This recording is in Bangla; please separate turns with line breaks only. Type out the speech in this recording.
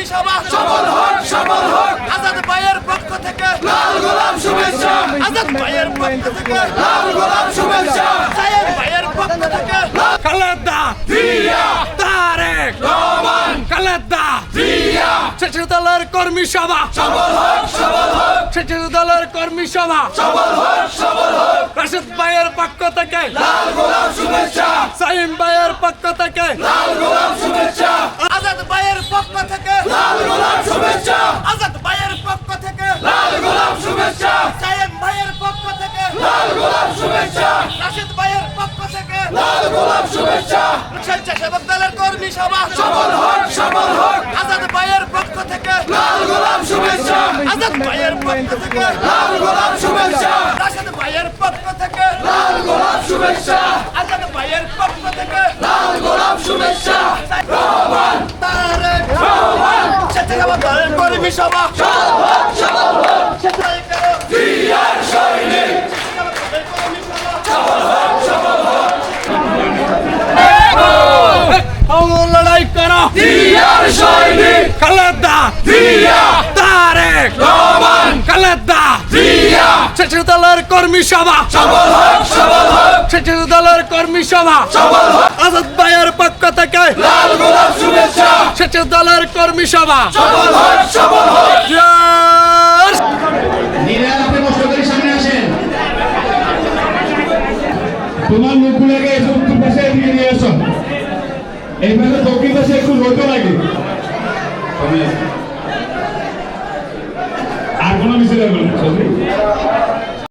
কর্মী সভা সফল হোক আজাদ ভাইয়ের পক্ষ থেকে লাল গোলাপ শুভেচ্ছা আজাদ ভাইয়ের পক্ষ থেকে লাল গোলাপ শুভেচ্ছা সায়েম ভাইয়ের পক্ষ থেকে
খালেদা জিয়া তারেক রহমান খালেদা জিয়া ছাত্র দলের কর্মী সভা
সফল হোক
ছাত্র দলের কর্মী সভা
সফল হোক
রাশেদ ভাইয়ের পক্ষ থেকে
লাল গোলাপ শুভেচ্ছা
সাইম ভাইয়ের পক্ষ থেকে
লাল গোলাপ শুভেচ্ছা আজাদ ভাইয়ের পক্ষ থেকে লাল গোলাপ শুভেচ্ছা আজাদ ভাইয়ের পক্ষ থেকে লাল গোলাপ শুভেচ্ছা সায়েম ভাইয়ের পক্ষ থেকে লাল গোলাপ শুভেচ্ছা রাশেদ ভাইয়ের পক্ষ থেকে লাল গোলাপ শুভেচ্ছা স্বেচ্ছাসেবক দলের কর্মী সভা সফল হোক আজাদ ভাইয়ের পক্ষ থেকে লাল গোলাপ শুভেচ্ছা আজাদ ভাইয়ের পক্ষ থেকে লাল গোলাপ শুভেচ্ছা রাশেদ ভাইয়ের পক্ষ থেকে লাল গোলাপ শুভেচ্ছা আজাদ ভাইয়ের পক্ষ থেকে লাল গোলাপ শুভেচ্ছা রহমান তারেক রহমান স্বেচ্ছাসেবক দলের কর্মী সভা সফল হোক জিয়ার সৈনিক
লড়াই করো
জিয়ার সৈনিক
খালেদা
জিয়া
তারেক
রহমান
খালেদা
জিয়া
ছাত্র দলের কর্মী সভা
সফল হোক
ছাত্র দলের কর্মী সভা
সফল হোক
আজাদ ভাইয়ের পক্ষ থেকে
লাল গোলাপ শুভেচ্ছা
ছাত্র দলের কর্মী সভা
সফল হোক
জয়
নিরাল আপনি কষ্ট করে সামনে আসেন তোমার লোকগুলোকে এসে উত্তর পাশে এদিকে নিয়ে আসো এইভাবে দক্ষিণ পাশে একটু রোদ লাগে আর কোনো মিছিল হবে না